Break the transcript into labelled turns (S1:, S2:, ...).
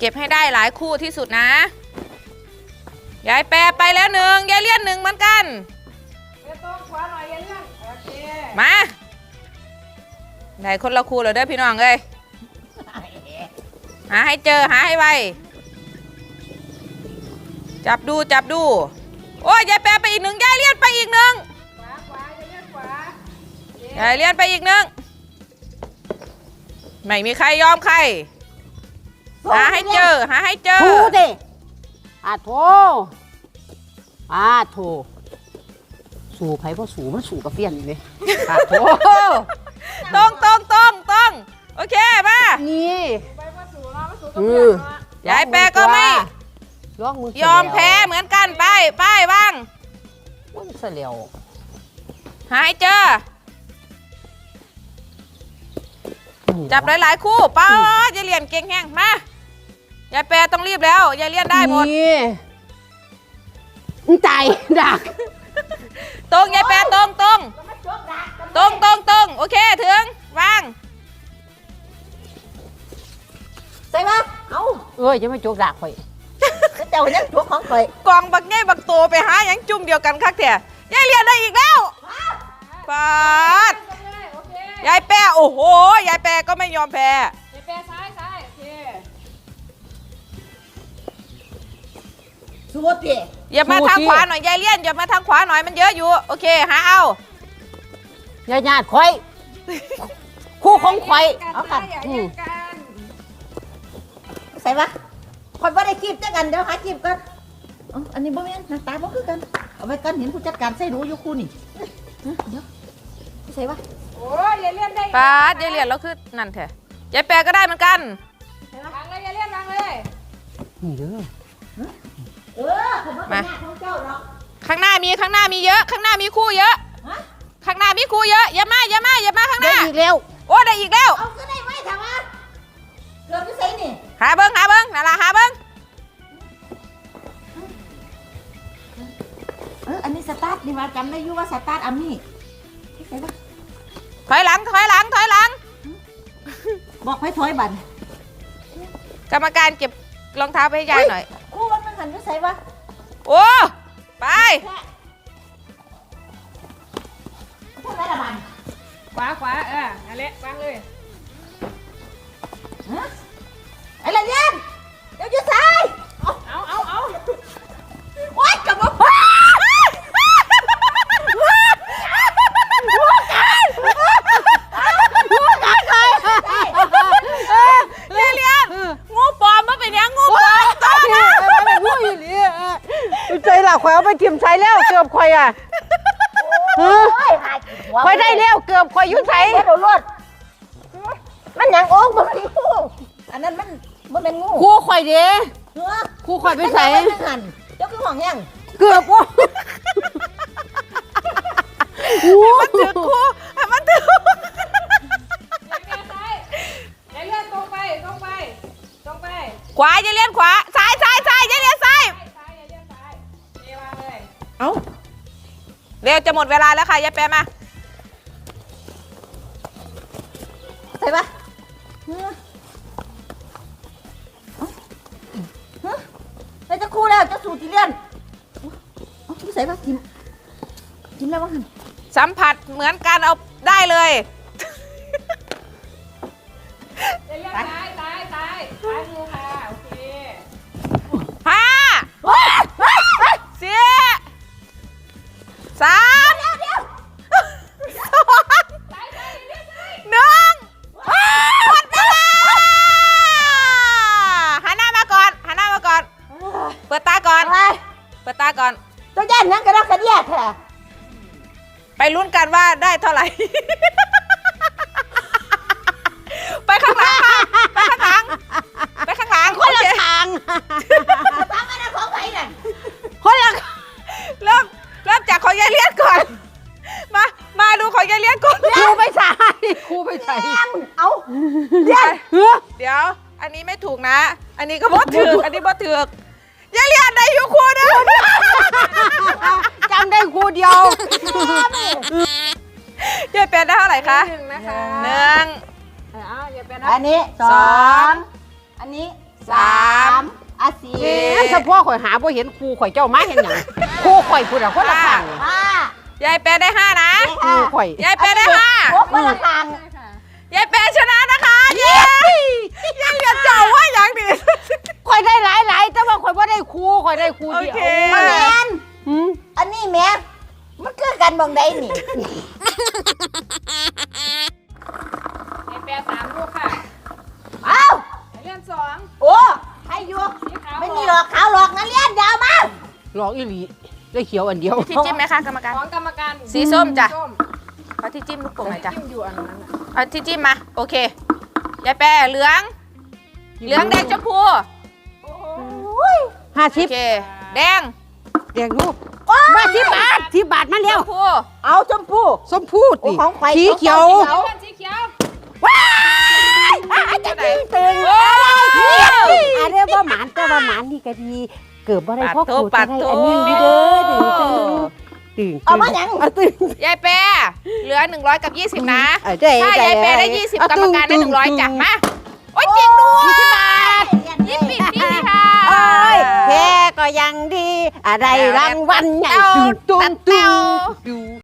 S1: เก็บให้ได้หลายคู่ที่สุดนะยายแปรไปแล้วหนึ่งยายเลี่ยนหนึ่งเหมือนกันต้องขวาหน่อยยายเลี่ยนโอเคมาได้คนละคู่เลยเด้อพี่น้องเลยหาให้เจอหาให้ไวจับดูโอ้ยยายแปรไปอีกหนึ่งยายเลี่ยนไปอีกหนึ่งขวายายเลี่ยนขวายายเลี่ยนไปอีกหนึ่งไม่มีใครยอมใครหาให้เจอถูดิ
S2: โถสู่ไผ่พ่อสู่มันสู่กับเฟี้ยนเลยโถ
S1: ต้องโอเคมา
S2: นี่
S1: ยายแปรก็ไม่ยอมแพ้เหมือนกันไปบ้าง
S2: มันเสียว
S1: หาให้เจอจับหลายๆคู่ป้ายายเลี่ยนเก่งแห้งมายายแปรต้องรีบแล้วยายเลี่ยนได้หมด
S2: ใจดัก
S1: ตรงยายแปรตรงโอเคถึงวาง
S2: ใส่ปะจะไม่โจกดักข่อยเจ้ายังโจกของข่อย
S1: กองบักแง่บักโตไปหายังจุ่มเดียวกันคักแท้ยายเลี่ยนได้อีกแล้วปาดยายแปรโอ้โหยายแปรก็ไม่ยอมแพ้ยายแปรซ้ายโอเค
S2: สู้ดิ
S1: อย่ามาทางขวาหน่อยยายเลี่ยนอย่ามาทางขวาหน่อยมันเยอะอยู่โอเคหาเอา
S2: ญาติข่อยคู่ของข่อยเอากันใส่ปะข่อยว่าได้คีบจังกันเดี๋ยวหาคีบกันอันนี้บ่แม่นหน้าตาบ่คือกันเอาไว้กันเห็นผู้จัดการใส่รู้อยู่คู่นี่เดี๋ยวใส่ปะ
S1: โอ้ยยายเลี่ยนได้ปาดยายเลี่ยนแล้วคือนั่นแท้ยายแปรก็ได้เหมือนกันวางเลยยายเลี่ยนวางเลย
S2: นี่เด้อ
S1: มาข้างหน้ามีเยอะข้างหน้ามีคู่เยอะข้างหน้ามีคู่เยอะอย่ามาข้างหน้า
S2: ได้อีกแล้ว
S1: โอ้ได้อีกแล้ว
S2: เอาก็ได้ไว้ถามว่าเกือบจะใส่นี่
S1: หาเบิ้งนั่นล่ะหาเบิ้ง
S2: อันนี้สตาร์ทนี่มาจำได้อยู่ว่าสตาร์ทอันนี้ใส่ปะ
S1: ถอยหลัง
S2: บอกให้ถอยบัน
S1: กรรมการเก็บรองเท้าไปให้ยายหน่อย
S2: คู่มันหันไปใส่ปะ
S1: โอ้ไป
S2: ทำไรละบัน
S1: ขวานั่นแหละวางเลย
S2: อะไรเนี่ยเดี๋ยวจะใส่
S1: เอา
S2: วัดกับมัน
S1: งูปลอมมาเป็นยังงูปลอมต้นนะ
S2: งูอยู่นี่ใจหลักข่อยเอาไปทิมใช้แล้วเกือบข่อยอ่ะข่อยได้แล้วเกือบข่อยยุ่งใช้โดนรถมันยังโอ้มันเป็นงูอันนั้นมันเป็นงูคู่ข่อยเด้คู่ข่อยไปใส่เจ้าคือห่วงยังเกือบว่า
S1: มันถือคู่มันถือขวาอย่าเลี้ยนขวาซ้ายอย่าเลี้ยนซ้ายเอาเร็วจะหมดเวลาแล้วค่ะยายแปรมา
S2: ใส่ปะใส่จะคู่แล้วจะสูตรที่เลี้ยนใส่ปะกินแล้วบ้าง
S1: สัมผัสเหมือนกันเอาได้เลยตายงูค่ะโอเค5 4 3 2 1หมดเวลาหันหน้ามาก่อนเปิดตาก่อน
S2: ตัวย่านนั่งกระดกกระเดียดแท้
S1: ไปลุ้นกันว่าได้เท่าไหร่ไปข้างหลัง
S2: คนละทางตามมาได้ของใครน่ะ
S1: คนละเริ่มจากของยายเลี้ยนก่อนมาดูของยายเลี้ยนก่อน
S2: ครูไปใส่เอา
S1: เดี๋ยวอันนี้ไม่ถูกนะอันนี้ก็บ่ถูกอันนี้บ่ถูกยายเลี้ยนได้อยู่ครูนะ
S2: จำได้ครูเดียวย
S1: ายแปรได้เท่าไหร่คะ
S2: 1นะคะ
S1: 1
S2: อันนี้2อันนี้3
S1: 3
S2: อ่ะ
S3: เอ๊ะถ้าพ่อข่อยหาบ่เห็นครูข่อยเจ้ามาเห็นหยังครูข่อยพูดอะคนละข้าง
S2: 4
S1: ยายแปรได้5นะ
S3: ครูข่อย
S1: ยายแปรได้
S2: 6คนละข้าง
S1: 5ยายแปรชนะนะคะเย้ยายเจ้าว่าอย่างนี้
S3: ข่อยได้หลายๆแต่ว่าข่อยบ่ได้ครูข่อยได้ครูเดียว
S1: โอเค
S2: มาแมน
S3: หืม
S2: อันนี้แม่มันคือกันบางใดนี่
S1: ยายแปร3ลูกค่ะ
S2: เอ้า
S1: ยายเลื่อน2
S2: โอ้ใครอยู่ไม่มีหรอกขาวหรอกนักเรียนยาวมา
S3: หลอกอีหลีได้เขียวอันเดียว
S1: ที่จิ้มไหมคะกรรมการ
S4: ของกรรมการ
S1: สีส้มจ้ะ เอาที่จิ้มลูกโป่งหน่อยจ้ะ
S4: จิ้มอยู่อันนั้นน่ะ
S1: เอาที่จิ้มมาโอเคยายแปรเหลืองแดงชมพู
S4: โอ้โห
S1: โอ
S3: 50
S1: เคแดง
S3: แดงลูกมา10 บาทมา
S1: ช
S3: แล้ว
S1: มพู
S2: เอาชมพู่
S3: ส้มพูด
S2: โอ้
S3: ดิ
S2: ของข่อย
S3: สีเขียว
S4: เลื่อนสีเขียว
S1: จะไหน
S3: ตึง
S1: โอ้
S3: อันเรียกว่าหมานแต่ว่าหมานนี่ก็ดีเกิดบ่ได้พ่อครู
S1: ปั
S3: จะ
S1: ด
S3: ได้
S1: โถ
S3: อันนี้ดีเด้อตึง
S2: เอามาหยัง
S3: เอาตึง
S1: ยายแปรเหลือ100กับ20นะ
S3: ได้
S1: ถ้ายายแปรได้20กรรมการได้100จ้ะมาโอ้ยจริงด้วย20 บาทยิบปิดนี่ค่ะ
S3: โอ้ยแค่ก็ยังดีอะไรรางวัลใหญ่
S1: เต้า
S3: ตุ้
S1: ตั
S3: ม
S1: ด
S3: ตุ้
S1: เต้า
S3: ม